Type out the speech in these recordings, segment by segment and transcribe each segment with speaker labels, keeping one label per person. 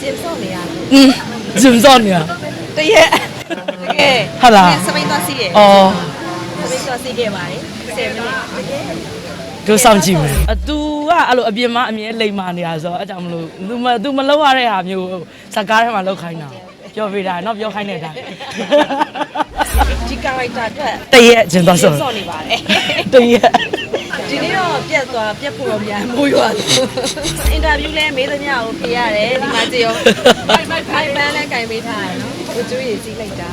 Speaker 1: 接受你啊？
Speaker 2: 知唔知你啊？
Speaker 1: 对耶，这个
Speaker 2: 好啦
Speaker 1: 什么多西耶？
Speaker 2: 哦，
Speaker 1: 什么多西给买？谁买？
Speaker 2: 都စောင့်ကြည့်မယ်။ तू ကအဲ့လိုအပြင်မှာအမြဲလိမ်မာနေတာဆိုတော့အဲ့ကြောင့်မလို့ तू မလောက်ရတဲ့ဟာမျိုးစကားထဲမှာလောက်ခိုင်းတာ။ပြောပေးတာနော်ပြောခိုင်းတဲ့အတိုင်း
Speaker 1: ဒီ character အတွက်
Speaker 2: တရက်ကျင်သွားဆို
Speaker 1: စောင့်နေပါတယ်
Speaker 2: တရက်
Speaker 1: ဒီနေ့တော့ပြက်ဖို့တော့မြန်မိုးရွာအင်တာဗျူးလဲမေးသမျှကိုဖြေရတယ်ဒီမှာကြည့်ရောဖိုင်ပန်းလဲကင်ပေးထားတယ်နော်ကိုကျွေးရည်ကြီးလိုက်တာ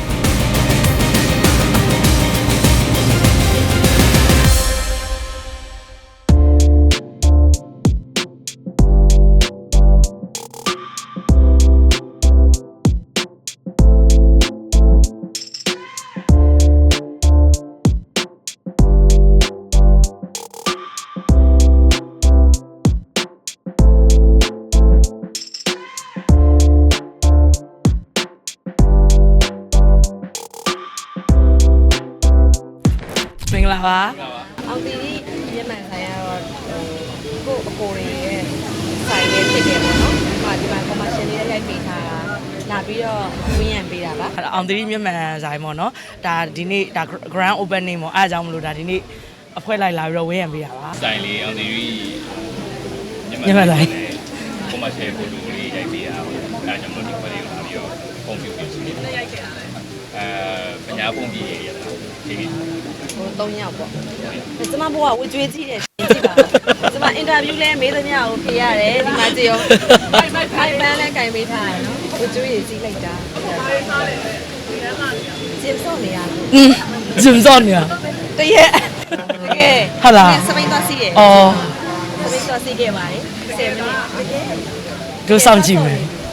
Speaker 2: မင်္ဂလာပါ
Speaker 1: အောင်တီမျက်မှန်ဆိုင်ကတော့ကို့အကိုတွေရဲ့ဆိုင်ရဲ့ဖြစ်တယ်ပေါ့နော်ဒီမှာ commercial လေးရိုက်ပေးထားတာလာပြီးတော့ဝင်းရံပေးတာပါ
Speaker 2: အောင်သတိမျက်မှန်ဆိုင်ပေါ့နော်ဒါဒီနေ့ဒါ grand opening ပေါ့အားကြောင့်မလို့ဒါဒီနေ့အဖွဲလိုက်လာပြီးတော့ဝင်းရံပေးတာပါ
Speaker 3: ဆိုင်လေးအောင်ဒီ
Speaker 2: ညမလိုက်
Speaker 3: ကိုမရှယ်ဖိုတိုလေးရိုက်ပေးတာပေါ့အဲကြောင့်မို့ဒီခွဲလေးကိုလာပြီးတော့ပုံပြပြစီလေးရိုက်ခဲ့တာပညာပုံပြရရတာဒီနေ့
Speaker 1: ဟို3ယောက်ပေါ့ကျမဘိုးကဝကျွေးကြည့်တယ်ကြည့်ပါကျမအင်တာဗျူးလဲမေးသမျှကိုဖြေရတယ်ဒီမှာကြည့်ရောဖိုင်ပန်းလဲကင်ပေးထားတယ်နော်ဝကျွေးရည်ကြီးလိုက်တာ接受你啊？
Speaker 2: 知唔知你啊？
Speaker 1: 对耶，这个
Speaker 2: 好啦
Speaker 1: 什么多西耶？
Speaker 2: 哦，
Speaker 1: 什么多西给买？谁买？
Speaker 2: 都စောင့်ကြည့်မယ်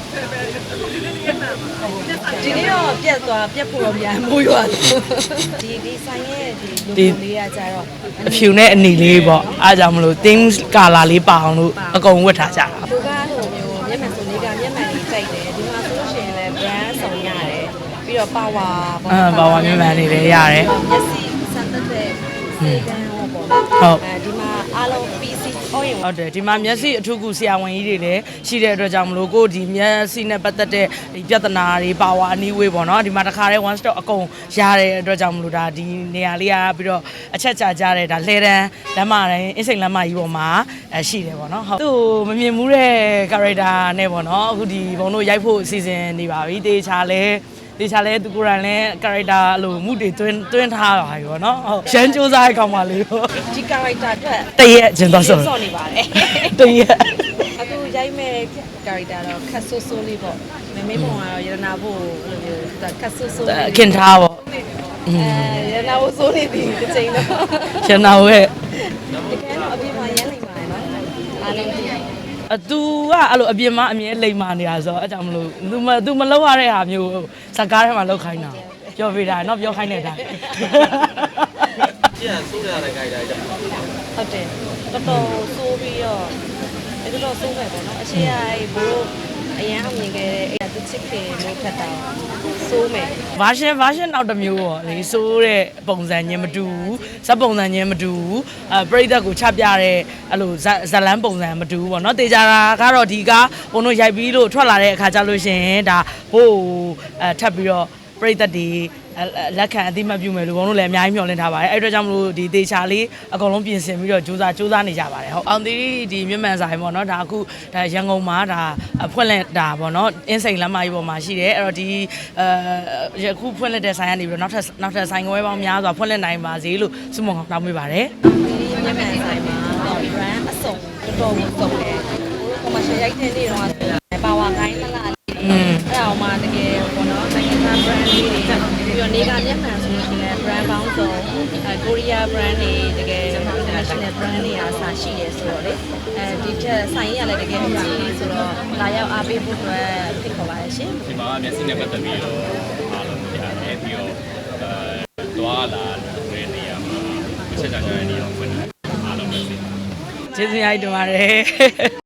Speaker 1: ဒီနေ့တော့ပြက်ဖို့တော့မြန်မိုးရွာဒီဆိုင်ရဲ့ဒီလူလေးကကြတော့
Speaker 2: အဖြူနဲ့အနီလေးပေါ့အားကြောင့်မလို့ theme color လေးပါအောင်လို့အကုန်ဝတ်ထားကြတာ
Speaker 1: သူကဟိုမျိုးမျက်မှန်စုံလေးကမျက်မှန်လေးကြိုက်တယ်ဒီမှာဆိုလို့ရှိရင်လည်း brand ဆောင်ရတယ်ပြီးတော့ power
Speaker 2: ပါဝါမျက်မှန်လေးလည်းရတယ်
Speaker 1: မျက်စိစမ်းတဲ့စေတန်းဟောပေါ့
Speaker 2: ဟုတ်
Speaker 1: ဒီမှာအားလုံး PC ဟောရင်
Speaker 2: ဟုတ်တယ်ဒီမှာမျက်စိအထူးကူဆရာဝန်ကြီးတွေလည်းရှိတဲ့အတွက်ကြောင့်မလို့ကိုဒီမျက်စိနဲ့ပတ်သက်တဲ့ဒီပြဿနာတွေပါဝါအနည်းဝေးပေါ့နော်ဒီမှာတခါတည်း one stop အကုန်ရတဲ့အတွက်ကြောင့်မလို့ဒါဒီနေရာလေးကပြီးတော့အချက်ချကြတဲ့ဒါလှဲတန်းလမ်းမတိုင်းအင်းစိန်လမ်းမကြီးပေါ်မှာရှိတယ်ပေါ့နော်ဟုတ်သူ့မမြင်မှုတဲ့ character နဲ့ပေါ့နော်အခုဒီဘုံတို့ရိုက်ဖို့အစီအစဉ်နေပါပြီတေချာလဲသူကိုယ်တိုင်လည်း character အလိုမှုတွေတွင်းထားတာပြီပေါ့နော်ဟုတ်ရန်စူးစားရကောင်ပါလေပေါ့
Speaker 1: ဒီ character အတွက်
Speaker 2: တရက်ကျင်သွားဆို
Speaker 1: စောင့်နေပါတယ်
Speaker 2: တရက်
Speaker 1: အခုရိုက်မဲ့ character တော့ခတ်ဆိုးဆိုးလေးပေါ့မမေပုံကတော့ရတနာဖို့လိုမျိုးခတ်ဆိုးဆိုးလေး
Speaker 2: ခင်ထားပေါ့
Speaker 1: ရတနာဖို့ဆိုးနေပြီတစ်ချိန်တော့
Speaker 2: ရန်နာရဲ့
Speaker 1: တကယ်တော့အပြင်မှာရမ်းနေပါတယ်နော်အားလုံးသိရတယ်
Speaker 2: သူကအဲ့လိုအပြင်မှာအမြဲလိမ်မာနေတာဆိုတော့အဲ့ကြောင့်မလို့ तू မလောက်ရတဲ့ဟာမျိုးစကားထဲမှာလောက်ခိုင်းတာပြောပေးတာနော်ပြောခိုင်းတဲ့အတိုင်း
Speaker 3: ကျန်ဆိုးရတဲ့ guide တိုင်း
Speaker 1: ဟုတ်တယ်တော်တော်ဆိုးပြီးတော့တော်တော်ဆိုးပဲပေါ့နော်အရှိရဘိုးအရန်အောင်မြင်ခဲ့တဲ့အဲ့ဒါသူချစ်ခင်လို့ဖတ်တာဆိုးမယ်
Speaker 2: version နောက်တစ်မျိုးပေါ့လေဆိုးတဲ့ပုံစံချင်းမတူဘူးဇက်ပုံစံချင်းမတူဘူးပရိသတ်ကိုချပြတဲ့အဲ့လိုဇလန်းပုံစံမတူဘူးပေါ့နော်တေချာတာကတော့ဒီကဘုံတို့ရိုက်ပြီးလို့ထွက်လာတဲ့အခါကျလို့ရှင်ဒါဘို့ထပ်ပြီးတော့ပရိသတ်တွေလက်ခံအသိမှတ်ပြုမယ်လို့ဘုံတို့လည်းအများကြီးမျှော်လင့်ထားပါတယ်အဲ့အတွက်ကြောင့်မလို့ဒီတေချာလေးအကုန်လုံးပြင်ဆင်ပြီးတော့စူးစမ်းနေကြပါတယ်ဟုတ်အောင်ဒီမြမှန်ဆိုင်ပေါ့နော်ဒါအခုဒါရန်ကုန်မှာဒါဖွင့်လက်တာပေါ့နော်အင်းစိန်လမ်းမကြီးပေါ်မှာရှိတယ်အဲ့တော့ဒီယခုဖွင့်လက်တဲ့ဆိုင်ကနေပြီးတော့နောက်ထပ်ဆိုင်ခွဲပေါင်းများစွာဖွင့်လက်နိုင်ပါစေလို့ဆုမွန်ကောင်းတောင်းပေးပါတယ်
Speaker 1: ဒီမျက်မှန်ဆိုင်မှာတော့ brand အစုံတော်တော်စုံတယ်ဟို commercial ရိုက်တဲ့နေ့တော့ပါဝါကိုင်းလာလာအဲ့ဒါမှတကယ်ပေါ့နော်နိုင်ငံသား brand လေးတွေပြီးတော့နေကမျက်မှန်ဆိုလို့ရှိရင် brand ပေါင်းစုံကိုရီးယား brand တွေတကယ် international brand တွေအားစာရှိရဲဆိုတော့လေဒီထက်ဆိုင်ရလည်းတကယ်ကြီးဆိုတော့လာရောက်အားပေးဖို့အတွက်ဖိတ်ခေါ်ပါရရှင်
Speaker 3: ဒီမှာမျက်စိနဲ့ပတ်သက်ပြီးတော့အားလုံးရတယ်ပြီးတော့သွားလာတဲ့နေရာမှာချက်ချာချာနေအောင်ဖွင့်တယ်အားလုံးပဲ
Speaker 2: ကျေးဇူးများတင်ပါတယ်